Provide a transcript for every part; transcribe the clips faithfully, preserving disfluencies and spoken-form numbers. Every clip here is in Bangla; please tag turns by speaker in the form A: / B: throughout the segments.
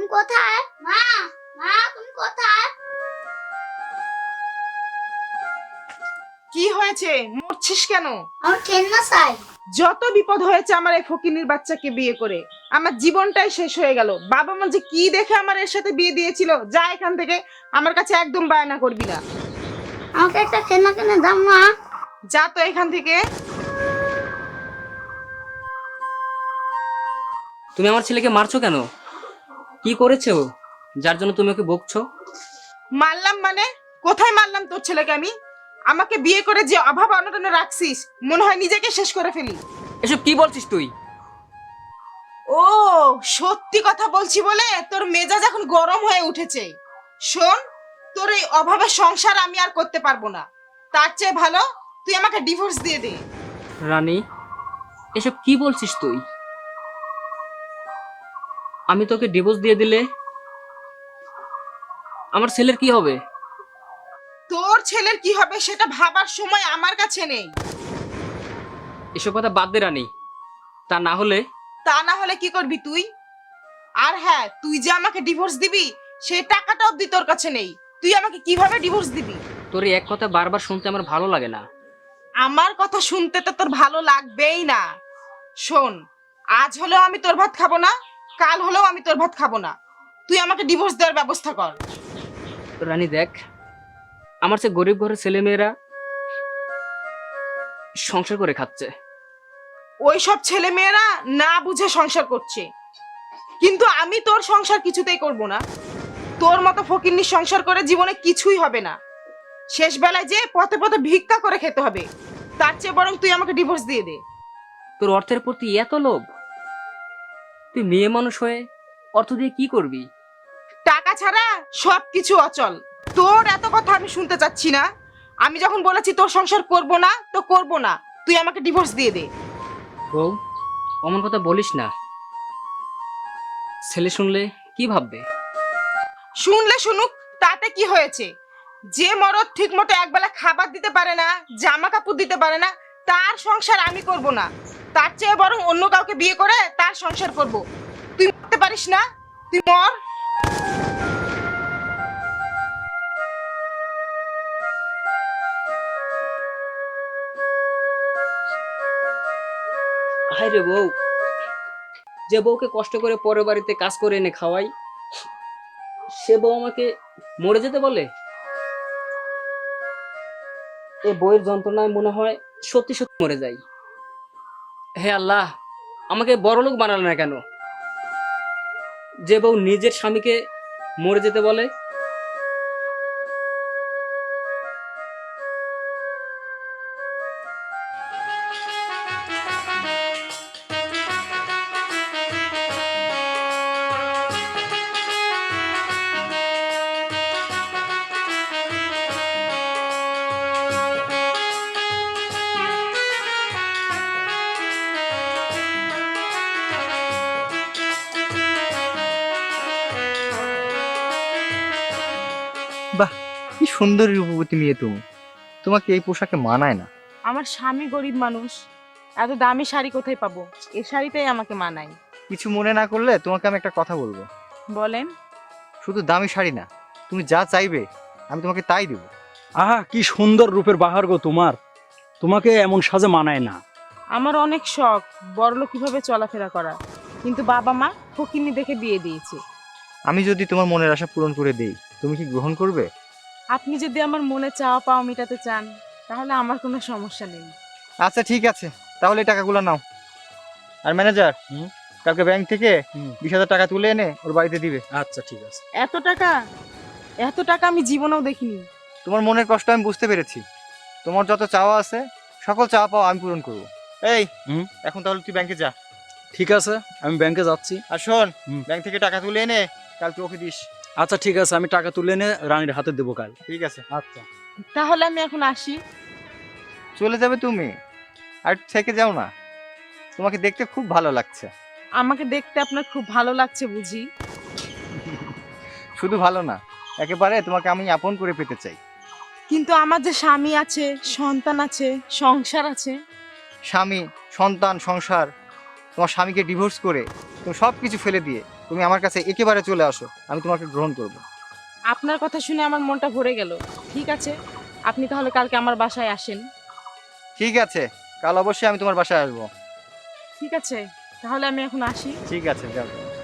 A: কোথায়? মা, মা তুমি কোথায়?
B: কি হয়েছে? মরছিস কেন?
A: আমার কেন্না চাই।
B: যত বিপদ হয়েছে আমার এই ফকিনীর বাচ্চাকে বিয়ে করে, আমার জীবনটাই শেষ হয়ে গেল। বাবা মা যে কি দেখে আমার এর সাথে বিয়ে দিয়েছিল। যা এখান থেকে, আমার কাছে একদম বায়না করবি না।
A: আমাকে একটা কেন্না কিনে দাও মা।
B: যা তো এখান থেকে।
C: তুমি আমার ছেলেকে মারছো কেন? কি করেছে ও যার জন্য তুমি ওকে বকছো?
B: মারলাম মানে? কোথায় মারলাম তোর ছেলেকে আমি? আমাকে বিয়ে করে যে অভাব অনটনে রাখছিস, মনে হয় নিজেকে শেষ করে ফেলি।
C: এসব কি বলছিস তুই?
B: ও, সত্যি কথা বলছি বলে তোর মেজাজ এখন গরম হয়ে উঠেছে। শোন, তোর এই অভাবের সংসার আমি আর করতে পারবো না। তার চেয়ে ভালো তুই আমাকে ডিভোর্স দিয়ে দে।
C: রানী, এসব কি বলছিস তুই? আমি তোকে ডিভোর্স দিয়ে দিলে আমার ছেলের কি হবে?
B: তোর ছেলের কি হবে সেটা ভাবার সময় আমার কাছে নেই।
C: এসব কথা বাদ দে রানী। তা না হলে?
B: তা না হলে কি করবি তুই? আর হ্যাঁ, তুই যে আমাকে ডিভোর্স দিবি সেই টাকাটা অবধি তোর কাছে নেই। তুই আমাকে কিভাবে ডিভোর্স দিবি?
C: তোর এই এক কথা বারবার শুনতে আমার ভালো লাগে না।
B: আমার কথা শুনতে তো তোর ভালো লাগবেই না। শোন, আজ হলেও আমি তোর ভাত খাবো না, কাল হলেও আমি তোর ভাত খাবো না। তুই আমাকে ডিভোর্স দেওয়ার ব্যবস্থা কর।
C: রানী দেখ, আমার সে গরিব ঘরের ছেলে মেয়েরা সংসার করে খাচ্ছে।
B: ওই সব ছেলে মেয়েরা না বুঝে সংসার করছে, কিন্তু আমি তোর সংসার কিছুতেই করব না। তোর মতো ফকিন্নির সংসার করে জীবনে কিছুই হবে না। শেষ বেলায় যে পথে পথে ভিক্ষা করে খেতে হবে। তার চেয়ে বরং তুই আমাকে ডিভোর্স দিয়ে দে।
C: তোর অর্থের প্রতি এত লোভ? তুই মেয়ে মানুষ হয়ে অর্থ দিয়ে কি করবি?
B: টাকা ছাড়া সবকিছু অচল। তোর এত কথা আমি শুনতে চাচ্ছি না। আমি যখন বলেছি তোর সংসার করব না তো করব না। তুই আমাকে ডিভোর্স দিয়ে দে।
C: বউ, অমন কথা বলিস না। ছেলে শুনলে কি ভাববে?
B: শুনলে শুনুক, তাতে কি হয়েছে? যে মরদ ঠিক মতো একবেলা খাবার দিতে পারে না, জামা কাপড় দিতে পারে না, তার সংসার আমি করব না। তার চেয়ে বরং অন্য কাউকে বিয়ে করে তার সংসার করব। তুই মরতে পারিস না? তুই মর।
C: হায় রে বউ, যে বউকে কষ্ট করে পরের বাড়িতে কাজ করে এনে খাওয়াই, সে বউ আমাকে মরে যেতে বলে। এ বউয়ের যন্ত্রণায় মনে হয় সত্যি সত্যি মরে যাই। হে আল্লাহ, আমাকে বড়লোক বানালো না কেন? যে বউ নিজের স্বামীকে মরে যেতে বলে।
D: বাহ, কি সুন্দর রূপবতী মেয়ে তুমি। তোমাকে এই পোশাকে মানায় না।
B: আমার স্বামী গরিব মানুষ, এত দামি শাড়ি কোথায় পাবো? এই শাড়িটাই আমাকে মানায়।
D: কিছু মনে না করলে তোমাকে আমি একটা কথা বলবো।
B: বলেন।
D: শুধু দামি শাড়ি না, তুমি যা চাইবে আমি তোমাকে তাই দেবো।
E: আহা, কি সুন্দর রূপের বাহার গো তোমার। তোমাকে এমন সাজে মানায় না।
B: আমার অনেক শখ বড়লোক কিভাবে চলাফেরা করা, কিন্তু বাবা মা ফকিন্নি দেখে বিয়ে দিয়েছে।
D: আমি যদি তোমার মনের আশা পূরণ করে দেই, তুমি কি গ্রহণ করবে?
B: আপনি যদি আমার মনে চাওয়া পাওয়া মেটাতে চান, তাহলে আমার কোনো সমস্যা নেই।
D: আচ্ছা ঠিক আছে, তাহলে এই টাকাগুলো নাও। আর ম্যানেজার,
E: হুম?
D: কালকে ব্যাংক থেকে
E: হুম।
D: বিশ হাজার টাকা তুলে এনে ওর বাড়িতে দিবে।
E: আচ্ছা ঠিক আছে।
B: এত টাকা? এত টাকা আমি জীবনেও দেখিনি।
D: তোমার মনের কষ্ট আমি বুঝতে পেরেছি। তোমার যত চাওয়া আছে সকল চাওয়া পাওয়া আমি পূরণ করবো। এই
E: হুম?
D: এখন তাহলে তুই ব্যাংকে যা।
E: ঠিক আছে, আমি ব্যাংকে যাচ্ছি।
D: আর শোন,
E: হুম।
D: ব্যাংক থেকে টাকা তুলে এনে কালকে ওকে দিস।
E: আচ্ছা ঠিক আছে, আমি টাকা তুলে এনে রানীর হাতে দেবো কাল।
D: ঠিক আছে।
E: আচ্ছা।
B: তাহলে আমি এখন আসি।
D: চলে যাবে তুমি? আর একটু থেকে যাও না, তোমাকে দেখতে খুব ভালো লাগছে।
B: আমাকে দেখতে আপনার খুব ভালো লাগছে বুঝি?
D: শুধু ভালো না, একেবারে তোমাকে আমি আপন করে পেতে চাই।
B: কিন্তু আমার যে স্বামী আছে, সন্তান আছে, সংসার আছে।
D: স্বামী, সন্তান, সংসার, তোমার স্বামীকে ডিভোর্স করে তুমি সব কিছু ফেলে দিয়ে তুমি আমার কাছে একেবারে চলে আসো, আমি তোমাকে গ্রহণ করব।
B: আপনার কথা শুনে আমার মনটা ভরে গেল। ঠিক আছে, আপনি তাহলে কালকে আমার বাসায় আসেন।
D: ঠিক আছে, কাল অবশ্যই আমি তোমার বাসায় আসবো।
B: ঠিক আছে, তাহলে আমি এখন আসি।
D: ঠিক আছে, যাও।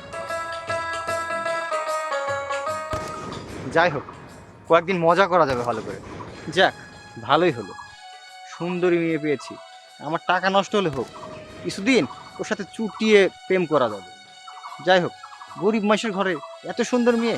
D: যাই হোক, কয়েকদিন মজা করা যাবে ভালো করে। যাক, ভালোই হলো, সুন্দরী মেয়ে পেয়েছি। আমার টাকা নষ্ট হলে হোক, কিছুদিন ওর সাথে চুটিয়ে প্রেম করা যাবে। যাই হোক, গরিব মানুষের ঘরে এত সুন্দর মেয়ে।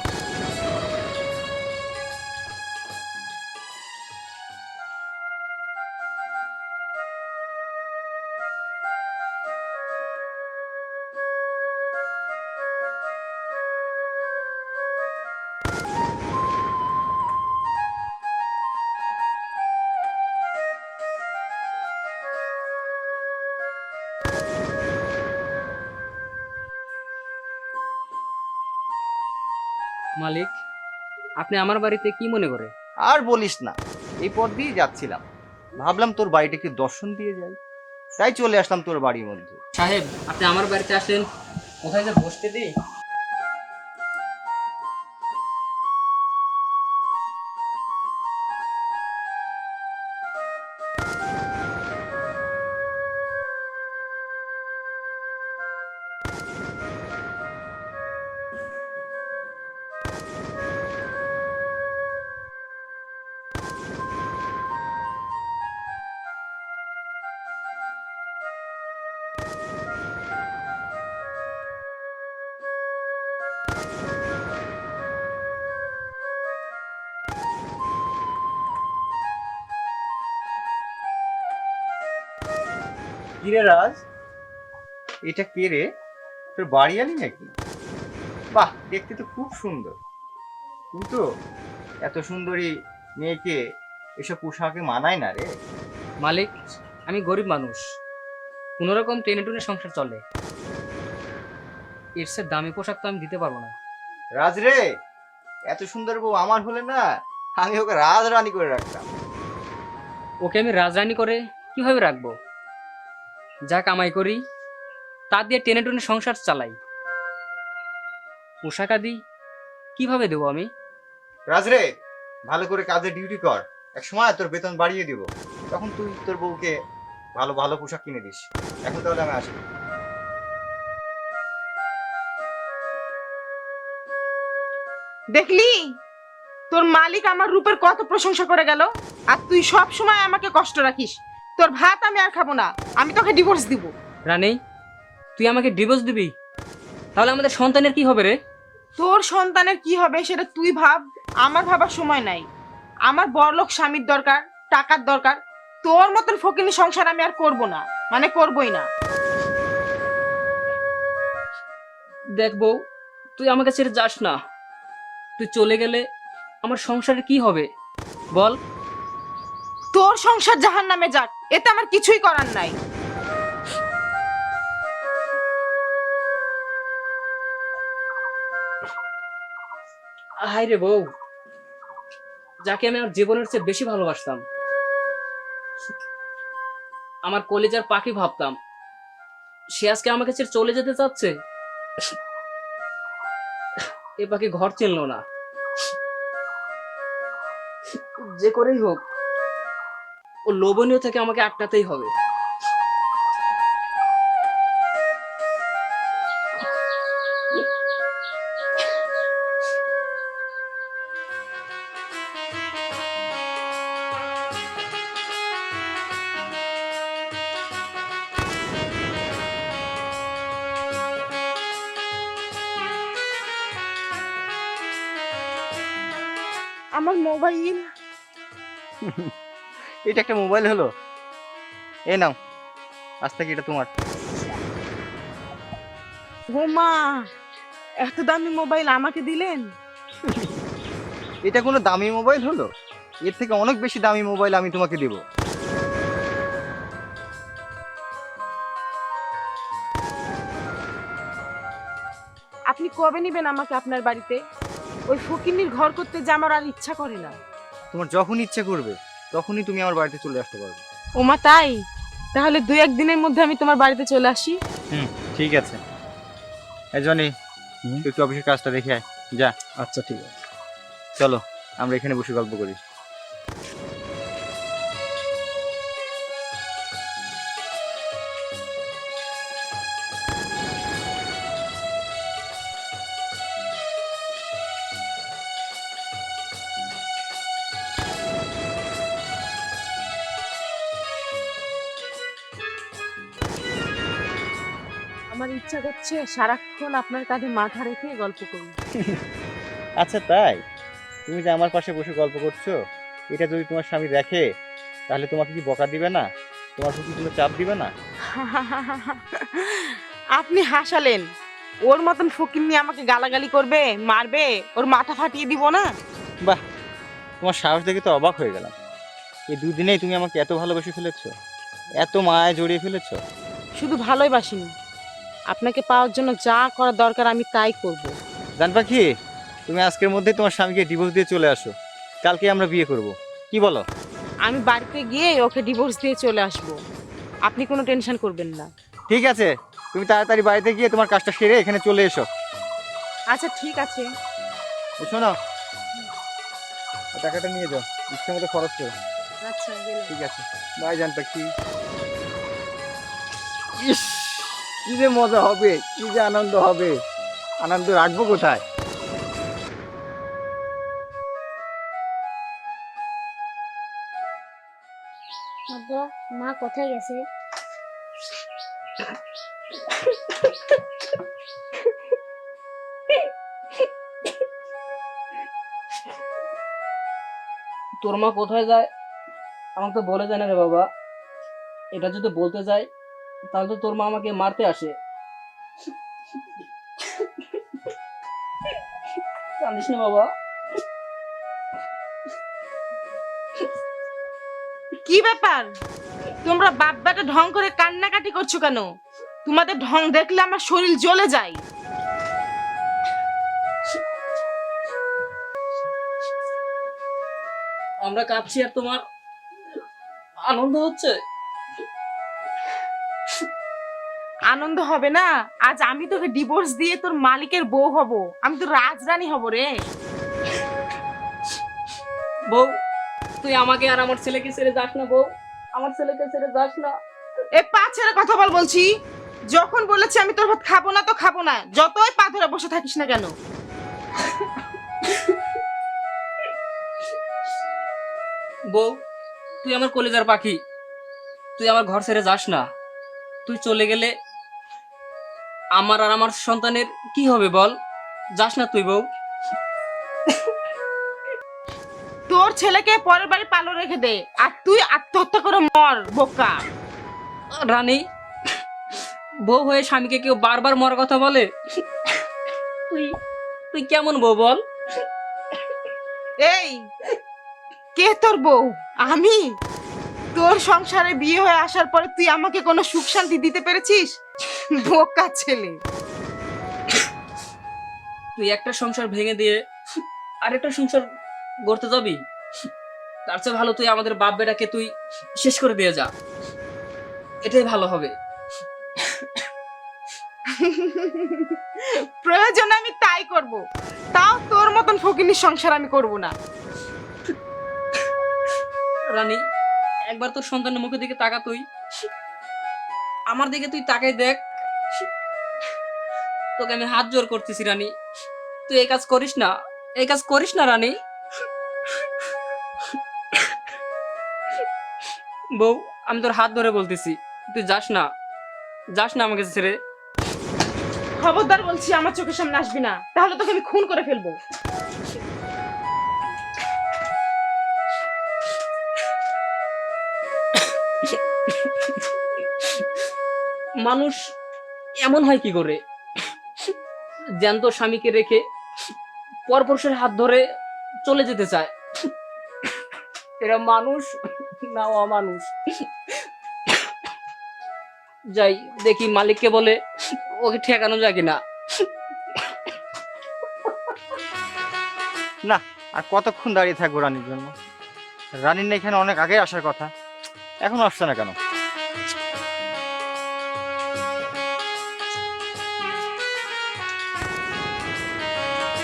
C: মালিক, আপনি আমার বাড়িতে কি মনে করে?
D: আর বলিস না, এই পথ দিয়ে যাচ্ছিলাম, ভাবলাম তোর বাড়িটা একটু দর্শন দিয়ে যাই, তাই চলে আসলাম তোর বাড়ির মধ্যে।
C: সাহেব, আপনি আমার বাড়িতে আসলেন, কোথায় যে বসতে দিই?
D: কিরে রাজ, এটা কে রে? তোর বাড়ি আলি নাকি? বাহ, দেখতে তো খুব সুন্দর, কিন্তু এত সুন্দরী মেয়েকে এসব পোশাকে মানায় না রে।
C: মালিক, আমি গরিব মানুষ, কোনো রকম টেনে টুনে সংসার চলে, এর চেয়ে দামি পোশাক তো আমি দিতে পারবো না।
D: রাজ রে, এত সুন্দর বউ আমার হলে না, আমি ওকে রাজ রানী করে রাখতাম।
C: ওকে আমি রাজরানি করে কিভাবে রাখবো? যা কামাই করি তা দিয়ে টেনে টুনে সংসার চালাই, পোশাক আদি কিভাবে দেবো আমি?
D: রাজ রে, ভালো করে কাজে ডিউটি কর, এক সময় তোর বেতন বাড়িয়ে দিব, তখন তুই তোর বউকে ভালো ভালো পোশাক কিনে দিস। এখন তাহলে আমি আসি।
B: দেখলি, তোর মালিক আমার রূপের কত প্রশংসা করে গেল, আর তুই সব সময় আমাকে কষ্ট রাখিস। তোর ভাত আমি আর খাবো না, আমি তোকে ডিভোর্স দিব।
C: রানী, তুই আমাকে ডিভোর্স দিবি? তাহলে আমাদের সন্তানের কি হবে রে?
B: তোর সন্তানের কি হবে সেটা তুই ভাব, আমার ভাবার সময় নাই। আমার বড়লোক স্বামীর দরকার, টাকার দরকার। তোর মতন ফকিনি সংসার আমি আর করব না, মানে করবই না।
C: দেখ বউ, তুই আমাকে ছেড়ে যাস না, তুই চলে গেলে আমার সংসারে কি হবে বল?
B: তোর সংসার জাহান্নামে যাক, এতে আমার কিছুই করার নাই।
C: হাই রে বউ, যাকে আমি আমার জীবনের চেয়ে বেশি ভালোবাসতাম, আমার কলেজের পাখি ভাবতাম, সে আজকে আমাকে ছেড়ে চলে যেতে চাচ্ছে। এ পাখি ঘর চিনলো না। যে করেই হোক, ও লোভনীয় থেকে আমাকে আটকাতেই হবে।
B: আমার মোবাইল।
D: এটা একটা মোবাইল হলো? এ নাও, আজ থেকে এটা তোমার।
B: ও মা, এত দামি মোবাইল আমাকে দিলেন?
D: এটা কোনো দামি মোবাইল হলো? এর থেকে অনেক বেশি দামি মোবাইল আমি তোমাকে দেব।
B: আপনি কবে নিবেন আমাকে আপনার বাড়িতে? ওই ফকিন্নির ঘর করতে যে আমার আর ইচ্ছা করে না।
D: তোমার যখন ইচ্ছে করবে তখনই তুমি আমার বাড়িতে চলে আসতে পারবে।
B: ওমা তাই? তাহলে দুই একদিনের মধ্যে আমি তোমার বাড়িতে চলে আসি।
D: হুম, ঠিক আছে। এই জনি,
E: হুম।
D: তুই একটু অফিসের কাজটা দেখে আয় যা।
E: আচ্ছা ঠিক আছে।
D: চলো আমরা এখানে বসে গল্প করি।
B: আমার ইচ্ছা করছে সারাক্ষণ আপনার কাঁধে মাথা রেখে গল্প করি।
D: আচ্ছা তাই? তুমি যে আমার পাশে বসে গল্প করছো, এটা যদি তোমার স্বামী দেখে তাহলে তোমাকে কি বকা দিবে না? তোমার প্রতি কোনো চাপ দিবে না?
B: আপনি হাসালেন। ওর মতন ফকিন্নি আমাকে গালাগালি করবে, মারবে, ওর মাথা ফাটিয়ে দিব না?
D: বাহ, তোমার সাহস দেখে তো অবাক হয়ে গেলাম। এই দুদিনেই তুমি আমাকে এত ভালোবেসে ফেলেছো, এত মায়ায় জড়িয়ে ফেলেছো।
B: শুধু ভালোই বাসিনি, আপনাকে পাওয়ার জন্য যা করা দরকার আমি তাই করব।
D: জান পাখি, তুমি আজকের মধ্যে তোমার স্বামীকে ডিভোর্স দিয়ে চলে আসো, কালকে আমরা বিয়ে করব, কি বলো?
B: আমি বাড়িতে গিয়ে ওকে ডিভোর্স দিয়ে চলে আসব, আপনি কোনো টেনশন করবেন না।
D: ঠিক আছে, তুমি তাড়াতাড়ি বাড়িতে গিয়ে তোমার কাজটা সেরে এখানে চলে এসো।
B: আচ্ছা ঠিক আছে।
D: শোনো, টাকাটা নিয়ে যাও, ইচ্ছে মতো খরচ করো।
B: আচ্ছা গেলাম।
D: ঠিক আছে, বাই জান পাখি। ইস, কি যে মজা হবে, কি যে আনন্দ হবে, আনন্দ রাখবো কোথায়?
A: আব্বা, মা কোথায় গেছে?
C: তোর মা কোথায় যায় আমাকে তো বলে যায় না রে বাবা। এটা যদি বলতে যায় তাহলে তো তোর মা আমাকে মারতে আসে। কাঁদিস না বাবা।
B: কি ব্যাপার, তোমরা বাপ বেটা ঢং করে কান্নাকাটি করছো কেন? তোমাদের ঢং দেখলে আমার শরীর জ্বলে যায়।
C: আমরা কাঁদছি আর তোমার আনন্দ হচ্ছে।
B: আনন্দ হবে না? আজ আমি তোকে ডিভোর্স দিয়ে তোর মালিকের বউ হব, আমি তো রাজরানী হব রে।
C: বউ, তুই আমাকে আর আমার ছেলেকে ছেড়ে যাস না বউ, আমার ছেলেকে ছেড়ে যাস না।
B: এ পা ছেড়ে কথা বল বলছি। যখন বলেছি আমি তোর ভাত খাবো না তো খাবো না, যতই পা ধরে বসে থাকিস না কেন।
C: বউ, তুই আমার কলেজার পাখি, তুই আমার ঘর ছেড়ে যাস না। তুই চলে গেলে আমার আর আমার সন্তানের কি হবে বল? যাস না তুই বউ।
B: তোর ছেলেকে পরের বাড়ি পালো রেখে দে, আর তুই আত্মহত্যা করে মর বোকা।
C: রানী, বউ হয়ে স্বামীকে কেউ বারবার মরার কথা বলে? তুই তুই কেমন বউ বল?
B: এই, কে তোর বউ? আমি? তোর সংসারে বিয়ে হয়ে আসার পরে তুই আমাকে কোনো সুখ শান্তি দিতে পেরেছিস? বোকা ছেলে।
C: তুই একটা সংসার ভেঙে দিয়ে আরেকটা সংসার গড়তে যাবি? তার চেয়ে ভালো তুই আমাদের বাপ বেটাকে তুই শেষ করে দিয়ে যা, এটাই ভালো হবে।
B: প্রয়োজন আমি তাই করব, তাও তোর মতন ফকিনীর সংসার আমি করব না।
C: রানী, একবার তোর সন্তানের মুখের দিকে তাকা, তুই আমার দিকে তুই তাকাই দেখ। তোকে আমি হাত জোর করতেছি রানী, তুই এই কাজ করিস না, এই কাজ করিস না রানী। বউ, আমি তোর হাত ধরে বলতেছি, তুই যাস না, যাস না আমাকে ছেড়ে।
B: খবরদার বলছি, আমার চোখের সামনে আসবি না, তাহলে তোকে আমি খুন করে ফেলবো।
C: মানুষ এমন হয় কি করে, জ্যান্ত স্বামীকে রেখে পরপুরুষের হাত ধরে চলে যেতে চায়? এরা মানুষ না অমানুষ? যাই দেখি মালিককে বলে ওকে ঠেকানো যায় কিনা।
D: না, আর কতক্ষণ দাঁড়িয়ে থাকবো রানীর জন্য? রানীর না এখানে অনেক আগে আসার কথা, এখন আসছে না কেন?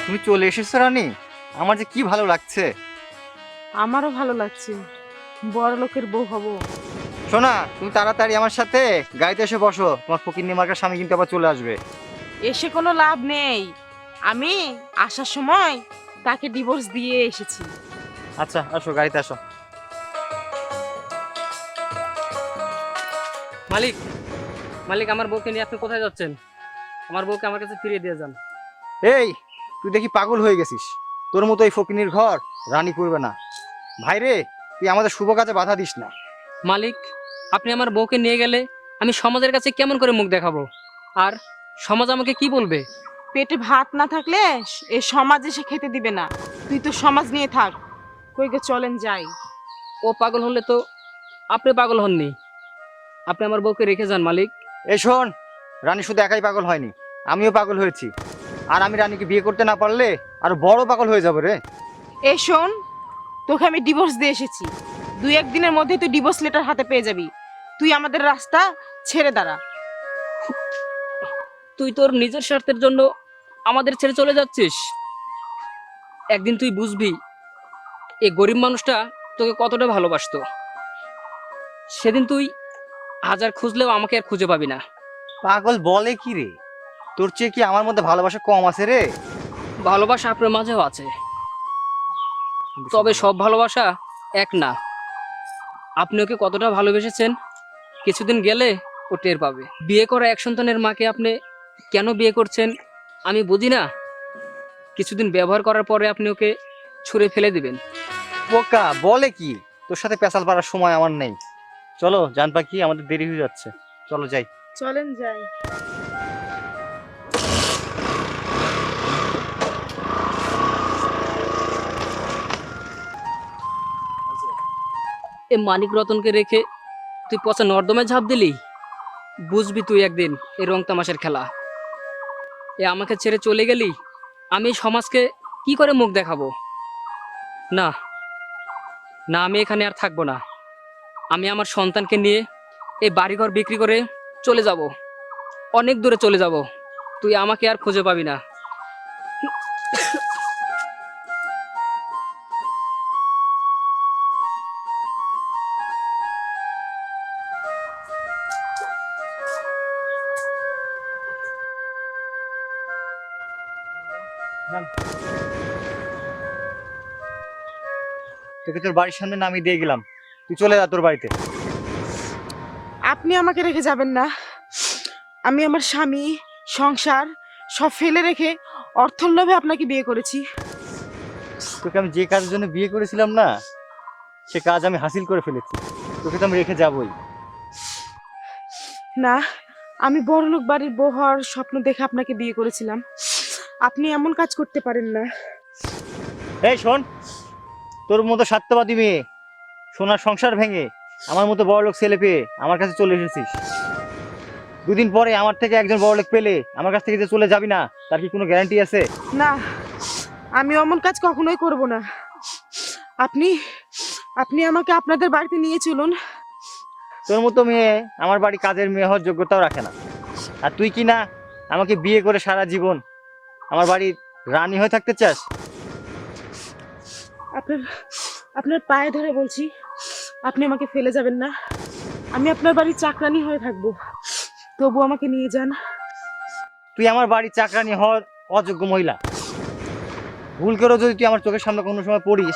D: তুমি চলে এসেছো রানী, আমার যে কি ভালো লাগছে।
B: আমারও ভালো লাগছে, বড় লোকের বউ হব।
D: শোনা, তুমি তাড়াতাড়ি আমার সাথে গাড়িতে এসে বসো, তোমার ফকিন্নি মার্কার স্বামী কিন্তু আবার চলে আসবে।
B: এসে কোনো লাভ নেই, আমি আসার সময় তাকে ডিভোর্স দিয়ে এসেছি।
D: আচ্ছা আসো, গাড়িতে আসো।
C: মালিক, মালিক আমার বউকে নিয়ে আপনি কোথায় যাচ্ছেন? আমার বউকে আমার কাছে ফিরিয়ে দিয়ে যান।
D: এই, তুই দেখি পাগল হয়ে গেছিস। তোর মতো এই ফকিন্নির ঘর রানী করবে না। ভাই রে, তুই আমাদের শুভ কাজে বাধা দিস না।
C: মালিক, আপনি আমার বউকে নিয়ে গেলে আমি সমাজের কাছে কেমন করে মুখ দেখাবো? আর সমাজ আমাকে কি বলবে?
B: পেটে ভাত না থাকলে এ সমাজে সে খেতে দিবে না। তুই তো সমাজ নিয়ে থাক, কইকে চলেন যাই।
C: ও পাগল হলে তো আপনি পাগল হননি। আপনি আমার বউকে রেখে যান মালিক।
D: এই শোন, রানী শুধু একাই পাগল হয়নি, আমিও পাগল হয়েছি। আর আমি রানীকে বিয়ে করতে না পারলে আরো বড় পাগল হয়ে যাবো রে।
B: এ শোন, তোকে আমি ডিভোর্স দিয়ে এসেছি, দুই একদিনের মধ্যে তুই ডিভোর্স লেটার হাতে পেয়ে যাবি। তুই আমাদের রাস্তা ছেড়ে দাঁড়া।
C: তুই তোর নিজের স্বার্থের জন্য আমাদের ছেড়ে চলে যাচ্ছিস। একদিন তুই বুঝবি এই গরিব মানুষটা তোকে কতটা ভালোবাসতো। সেদিন তুই হাজার খুঁজলেও আমাকে আর খুঁজে পাবি না।
D: পাগল বলে কি রে? তোর চেয়ে কি আমার মধ্যে ভালোবাসা কম আছে রে?
C: ভালোবাসা আপনার মাঝেও আছে, তবে সব ভালোবাসা এক না। আপনি ওকে কতটা ভালোবেসেছেন কিছুদিন গেলে ও টের পাবে। বিয়ে করা এক সন্তানের মাকে আপনি কেন বিয়ে করছেন আমি বুঝি না। কিছুদিন ব্যবহার করার পরে আপনি ওকে ছুঁড়ে ফেলে দিবেন।
D: বোকা বলে কি? তোর সাথে পেশাল পাড়ার সময় আমার নেই। চলো জান পাখি, আমাদের দেরি হয়ে যাচ্ছে, চলো যাই।
B: চলেন যাই।
C: এ মানিক রতনকে রেখে তুই পচা নর্দমায় ঝাঁপ দিলি। বুঝবি তুই একদিন এই রং তামাশের খেলা। এ আমাকে ছেড়ে চলে গেলি, আমি এই সমাজকে কি করে মুখ দেখাবো? না না, আমি এখানে আর থাকবো না। আমি আমার সন্তানকে নিয়ে এই বাড়িঘর বিক্রি করে চলে যাব, অনেক দূরে চলে যাব। তুই আমাকে আর খুঁজে পাবি না।
D: তোকে তোর বাড়ির সামনে নামিয়ে দিয়ে গেলাম, তুই চলে যা তোর বাড়িতে।
B: আপনি আমাকে রেখে যাবেন না। আমি আমার স্বামী, সংসার সব ফেলে রেখে অর্থর লোভে আপনাকে বিয়ে করেছি।
D: তোকে আমি যে কাজের জন্য বিয়ে করেছিলাম না, সে কাজ আমি হাসিল করে ফেলেছি। তোকে তো আমি রেখে যাবই।
B: না, আমি বড়লোক বাড়ির বউ হওয়ার স্বপ্ন দেখে আপনাকে বিয়ে করেছিলাম। আপনি এমন কাজ করতে পারেন না।
D: এই শোন, তোর মতো স্বার্থবাদী মেয়ে সোনার সংসার ভেঙে আমার মতো বড়লোক ছেলে পেয়ে আমার কাছে চলে এসেছিস। দুদিন পরে আমার থেকে একজন বড়লোক পেলে আমার কাছ থেকে যে চলে যাবি না, তার কি কোনো গ্যারান্টি আছে?
B: না, আমি অমন কাজ কখনোই করব না। আপনি আপনি আমাকে আপনাদের বাড়িতে নিয়ে চলুন।
D: তোর মতো মেয়ে আমার বাড়ি কাজের মেয়ে হওয়ার যোগ্যতাও রাখে না। আর তুই কি না আমাকে বিয়ে করে সারা জীবন আমার বাড়ির রানী হয়ে থাকতে চাস?
B: আপনার আপনার পায়ে ধরে বলছি, আপনি আমাকে ফেলে যাবেন না। আমি আপনার বাড়ির চাকরানি হয়ে থাকবো, তবু আমাকে নিয়ে যান।
D: তুই আমার বাড়ির চাকরানি হওয়ার অযোগ্য মহিলা। ভুল করেও যদি তুই আমার চোখের সামনে কোনো সময় পড়িস,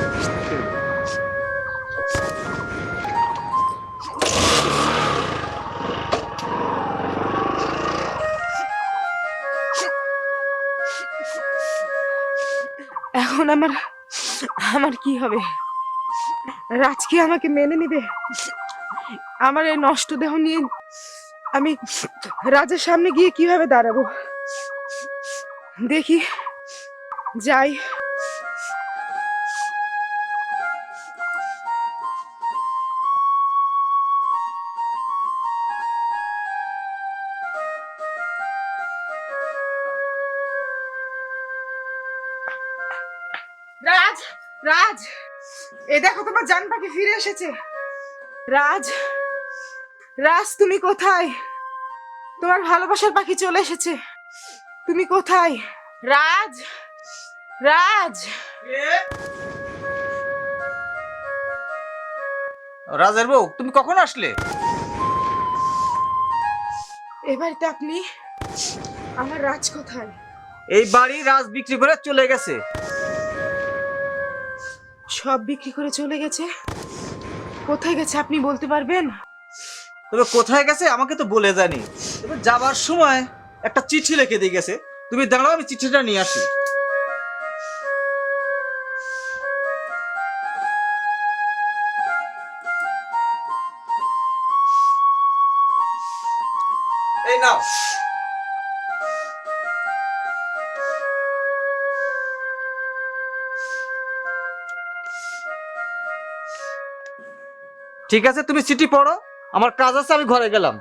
B: এখন আমার আমার কি হবে? রাজ কি আমাকে মেনে নিবে? আমার এই নষ্ট দেহ নিয়ে আমি রাজের সামনে গিয়ে কিভাবে দাঁড়াবো? দেখি যাই। রাজ, রাজ, এ দেখো তোমার জান পাখি ফিরে এসেছে। রাজ, রাজ তুমি কোথায়? তোমার ভালোবাসার পাখি চলে এসেছে। তুমি কোথায়? রাজ, রাজ,
D: রাজের বউ, তুমি কখন আসলে?
B: এ বাড়িতে আপনি? আমার রাজ কোথায়?
D: এই বাড়ি রাজ বিক্রি করে চলে গেছে।
B: সব বিক্রি করে চলে গেছে? কোথায় গেছে আপনি বলতে পারবেন?
F: তবে কোথায় গেছে আমাকে তো বলে জানি, তবে যাবার সময় একটা চিঠি লিখে দিয়ে গেছে। তুমি দাঁড়াও, আমি চিঠিটা নিয়ে আসি। এই নাও। ঠিক আছে, তুমি চিঠি পড়ো, আমার কাজ আছে, আমি ঘরে গেলাম।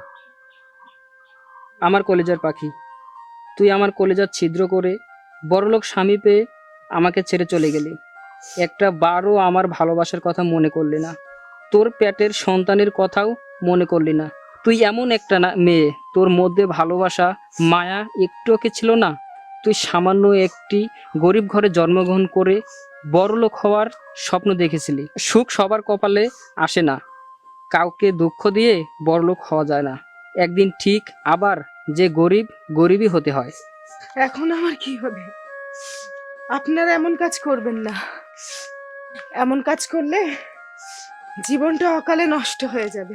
C: আমার কলেজার পাখি, তুই আমার কলেজার ছিদ্র করে বড়লোক স্বামী পেয়ে আমাকে ছেড়ে চলে গেলি। একটা বারও আমার ভালোবাসার কথা মনে করলি না, তোর পেটের সন্তানের কথাও মনে করলি না। তুই এমন একটা না মেয়ে, তোর মধ্যে ভালোবাসা মায়া একটু কি ছিল না? তুই সামান্য একটি গরিব ঘরে জন্মগ্রহণ করে বড়লোক হওয়ার স্বপ্ন দেখেছিলি। সুখ সবার কপালে আসে না, কাউকে দুঃখ দিয়ে বড়লোক হওয়া যায় না। একদিন ঠিক আবার যে গরিব গরিবই হতে হয়।
B: এখন আমার কি হবে? আপনারা এমন কাজ করবেন না। এমন কাজ করলে জীবনটা অকালে নষ্ট হয়ে যাবে।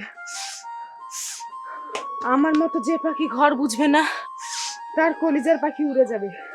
B: আমার মতো যে পাখি ঘর বুঝবে না, তার কলিজার পাখি উড়ে যাবে।